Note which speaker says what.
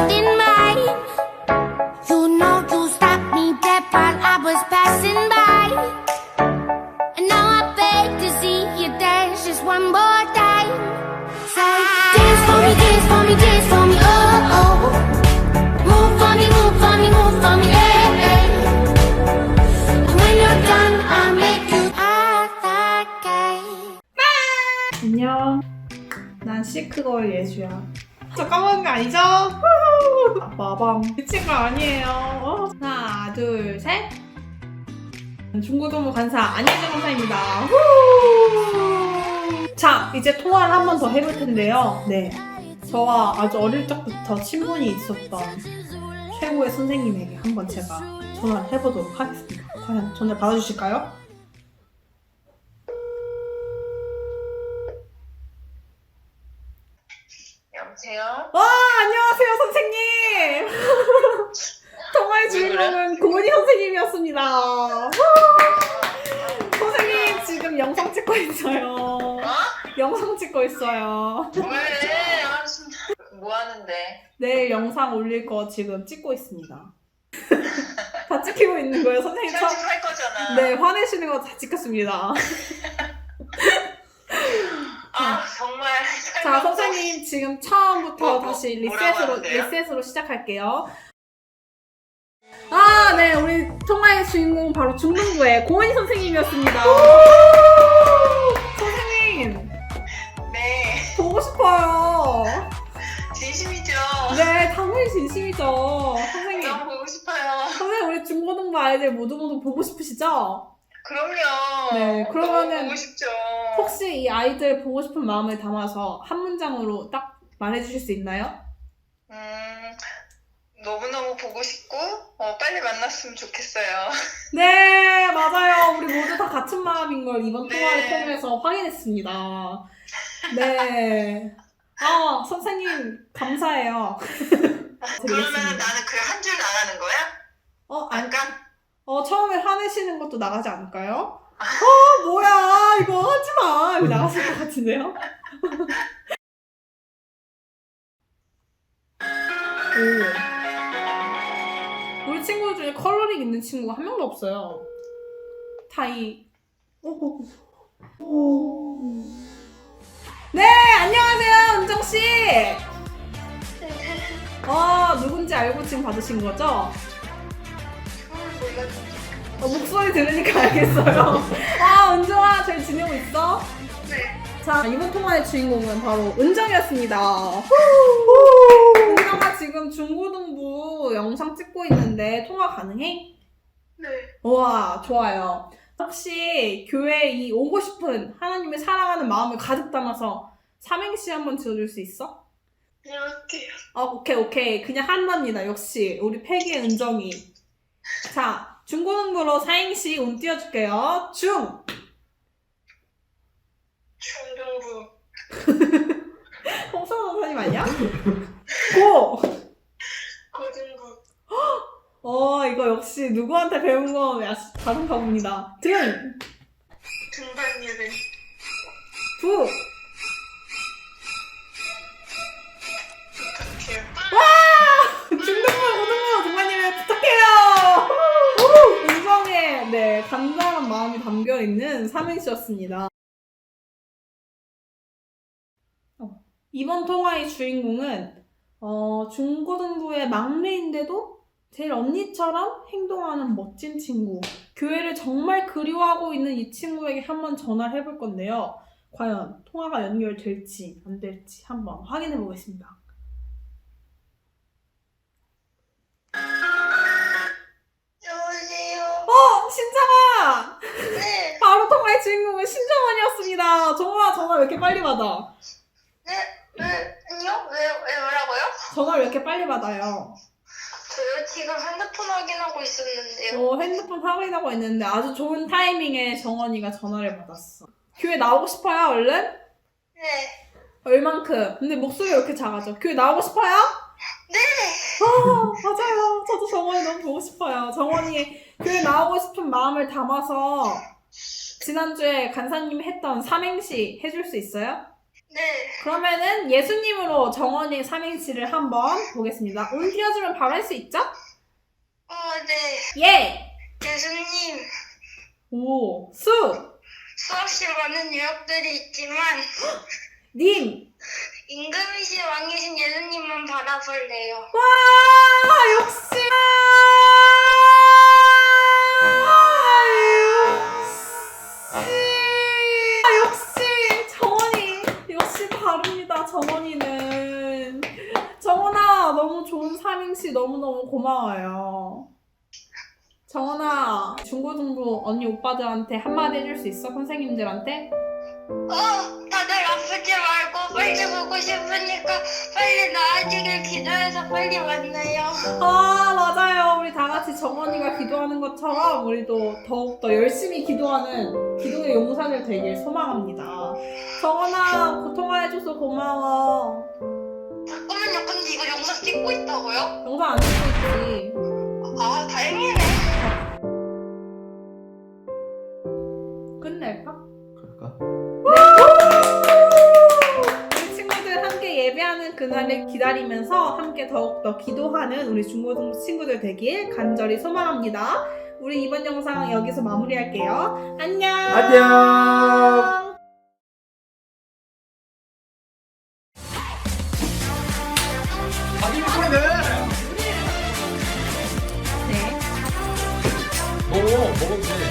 Speaker 1: holding mine. You know you stopped me dead while I was passing by. And now I beg to see you dance just one more time. Say, dance for me, dance for me, dance for me, oh, oh. Move for me, move for me, move for me, hey, hey. And when you're done, I'll make you act like
Speaker 2: 안녕. 난 시크걸 예주야. 저 까먹은 거 아니죠? 마밤. 미친 거 아니에요. 하나, 둘, 셋. 중고등부 간사 안예정 간사입니다. 자, 이제 통화를 한 번 더 해볼 텐데요. 네. 저와 아주 어릴 적부터 친분이 있었던 최고의 선생님에게 한번 제가 전화를 해보도록 하겠습니다. 과연 전화 받아주실까요?
Speaker 3: 여보세요?
Speaker 2: 와, 안녕하세요, 선생님! 통화의 주인공은 고은이 선생님이었습니다. 선생님, 지금 영상 찍고 있어요.
Speaker 3: 어?
Speaker 2: 영상 찍고 있어요.
Speaker 3: 왜? 아, 진짜. 뭐 하는데?
Speaker 2: 내일 영상 올릴 거 지금 찍고 있습니다. 다 찍히고 있는 거예요, 선생님.
Speaker 3: 편집할 거잖아.
Speaker 2: 네, 화내시는 거 다 찍혔습니다.
Speaker 3: 아, 정말.
Speaker 2: 자, 선생님, 지금 처음부터 다시
Speaker 3: 뭐라고 하는데요?
Speaker 2: 리셋으로 시작할게요. 아, 네, 우리 통화의 주인공 바로 중등부의 고은이 선생님이었습니다. 선생님,
Speaker 3: 네.
Speaker 2: 보고 싶어요.
Speaker 3: 진심이죠?
Speaker 2: 네, 당연히 진심이죠. 선생님,
Speaker 3: 너무 보고 싶어요.
Speaker 2: 선생님, 우리 중고등부 아이들 모두 보고 싶으시죠?
Speaker 3: 그럼요.
Speaker 2: 네, 그러면은
Speaker 3: 너무 보고 싶죠.
Speaker 2: 혹시 이 아이들 보고 싶은 마음을 담아서 한 문장으로 딱 말해주실 수 있나요?
Speaker 3: 너무너무 보고 싶고, 빨리 만났으면 좋겠어요.
Speaker 2: 네, 맞아요. 우리 모두 다 같은 마음인 걸 이번
Speaker 3: 네.
Speaker 2: 통화를 통해서 확인했습니다. 네. 아, 선생님, 감사해요.
Speaker 3: 그러면
Speaker 2: 드리겠습니다.
Speaker 3: 나는 그 한 줄 나가는 거야?
Speaker 2: 아니,
Speaker 3: 약간?
Speaker 2: 처음에 화내시는 것도 나가지 않을까요? 뭐야, 이거 하지 마. 이거 나갔을 것 같은데요? 오. 우리 친구들 중에 컬러링 있는 친구가 한 명도 없어요. 네, 안녕하세요, 은정씨. 누군지 알고 지금 받으신 거죠? 목소리 들으니까 알겠어요. 은정아, 잘 지내고 있어?
Speaker 3: 네.
Speaker 2: 자, 이번 통화의 주인공은 바로 은정이었습니다. 은정아, 지금 중고등부 영상 찍고 있는데 통화 가능해?
Speaker 3: 네.
Speaker 2: 우와, 좋아요. 혹시 교회에 이 오고 싶은 하나님을 사랑하는 마음을 가득 담아서 삼행시 한번 지어줄 수 있어?
Speaker 3: 안녕하세요.
Speaker 2: 오케이. 그냥 한답니다. 역시 우리 패기의 은정이. 자, 중고등부로 사행시 운 띄워줄게요.
Speaker 3: 중등부.
Speaker 2: 홍성호 선생님 아니야? 고!
Speaker 3: 고등부.
Speaker 2: 이거 역시 누구한테 배운 거 다른가 봅니다.
Speaker 3: 등반 예배.
Speaker 2: 부!
Speaker 3: 부탁해요.
Speaker 2: 중등부, 고등부, 동반님을 부탁해요! 은정의, 네, 간절한 마음이 담겨있는 삼행시였습니다. 이번 통화의 주인공은 중고등부의 막내인데도 제일 언니처럼 행동하는 멋진 친구. 교회를 정말 그리워하고 있는 이 친구에게 한번 전화를 해볼 건데요. 과연 통화가 연결될지 안 될지 한번 확인해 보겠습니다.
Speaker 3: 여보세요.
Speaker 2: 신정아!
Speaker 3: 네.
Speaker 2: 바로 통화의 주인공은 신정원이었습니다. 전화 왜 이렇게 빨리 받아?
Speaker 3: 아니요? 왜 뭐라고요?
Speaker 2: 전화를 왜 이렇게 빨리 받아요?
Speaker 3: 저요 지금 핸드폰 확인하고 있었는데요.
Speaker 2: 핸드폰 확인하고 있는데 아주 좋은 타이밍에 정원이가 전화를 받았어. 교회 나오고 싶어요, 얼른?
Speaker 3: 네.
Speaker 2: 얼만큼? 근데 목소리가 왜 이렇게 작아져? 교회 나오고 싶어요?
Speaker 3: 네.
Speaker 2: 맞아요. 저도 정원이 너무 보고 싶어요. 정원이 교회 나오고 싶은 마음을 담아서 지난주에 간사님이 했던 삼행시 해줄 수 있어요?
Speaker 3: 네.
Speaker 2: 그러면은 예수님으로 정원이 삼행시를 한번 보겠습니다. 운 띄워주면 바로 할 수 있죠?
Speaker 3: 네.
Speaker 2: 예!
Speaker 3: 예수님,
Speaker 2: 오, 수!
Speaker 3: 수없이 많은 유혹들이 있지만
Speaker 2: 님!
Speaker 3: 임금이신 왕이신 예수님만 바라볼래요.
Speaker 2: 와, 역시! 역시! 정원이! 역시 다릅니다, 정원이는. 정원아, 너무 좋은 삼행시 너무너무 고마워요. 정원아, 중고등부 언니 오빠들한테 한마디 해줄 수 있어? 선생님들한테?
Speaker 3: 다들 아프지 말고 빨리 보고 싶으니까 빨리 나아지길 기도해서 빨리 만나요.
Speaker 2: 아, 맞아요. 우리 다 같이 정원이가 기도하는 것처럼 우리도 더욱더 열심히 기도하는 기도의 용사들 되길 소망합니다. 정원아, 고통해줘서 고마워.
Speaker 3: 잠깐만요. 근데 이거 영상 찍고 있다고요?
Speaker 2: 영상 안 찍고 있지.
Speaker 3: 아, 다행이네.
Speaker 2: 끝낼까?
Speaker 4: 그럴까?
Speaker 2: 우리 친구들 함께 예배하는 그날을 기다리면서 함께 더욱더 기도하는 우리 중고등부 친구들 되길 간절히 소망합니다. 우리 이번 영상 여기서 마무리할게요. 안녕!
Speaker 4: 안녕! 아니 소리네.
Speaker 2: 네.
Speaker 4: 먹으면 돼.